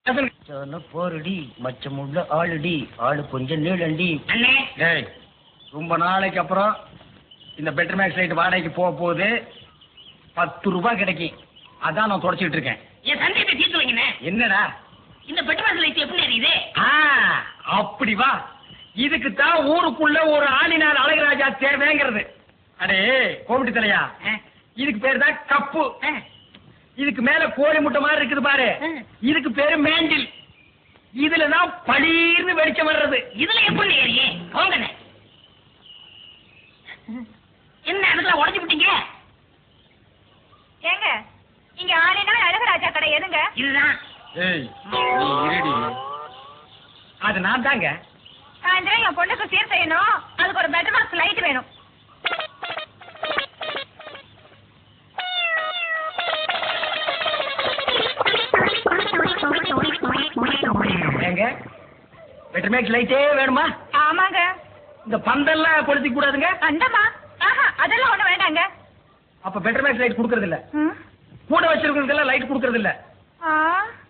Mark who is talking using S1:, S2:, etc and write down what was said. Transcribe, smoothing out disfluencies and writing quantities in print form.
S1: போருடி மச்சம் உள்ள ஆளுடி ஆளு கொஞ்சம் நீளண்டி. டேய் ரொம்ப நாளைக்கு அப்புறம் இந்த பெட்டர் மேக்ஸ் லைட் வாடகைக்கு போக போகுது. 10 ரூபாய் கிடைக்கும். அதான் நான் தொடச்சிட்டு இருக்கேன்.
S2: என் சந்தேகத்தை தீர்த்து வைங்கண்ணே.
S1: என்னடா
S2: இந்த பெட்டர் மேக்ஸ் லைட் எப்படி எரியுது?
S1: அப்படி வா. இதுக்கு தான் ஊருக்குள்ள ஒரு ஆளினார் அழகராஜா தேவைங்கிறது. அடே கோமிட்டி தலையா, இதுக்கு பேரு தான் கப்பு. இதுக்கு மேல கோழி முட்டை மாதிரி இருக்குது பாரு, இதுக்கு பேரு மேண்டில். இதுலதான் பளீர்னு வெளிச்சம் வர்றது.
S2: இதுல எப்படி ஏறியே போங்கண்ணே. என்ன அதுல உடஞ்சு விட்டீங்க?
S3: ஏங்க இங்க ஆளினா அழகராஜா கடை எதுங்க?
S2: இதுதான்.
S1: ஏய் நீ இருடி. அது நான் தாங்க.
S3: சாயந்தரம் என் பொண்ணுக்கு சீர் செய்யணும். அதுக்கு ஒரு பெட்டர் பாக்ஸ் லைட் வேணும்.
S1: ஏங்க பெட்டர் மேக்ஸ் லைட்டே வேணுமா?
S3: ஆமாங்க.
S1: இந்த பந்தெல்லாம் கொளுத்திக்க கூடாதுங்க.
S3: அந்தமா அதெல்லாம் ஒண்ணு வேண்டாங்க.
S1: அப்ப பெட்டர் மேக்ஸ் லைட் குடுக்கறது இல்ல. கூட வச்சிருக்கிறதுக்கெல்லாம் லைட் குடுக்கறது இல்ல.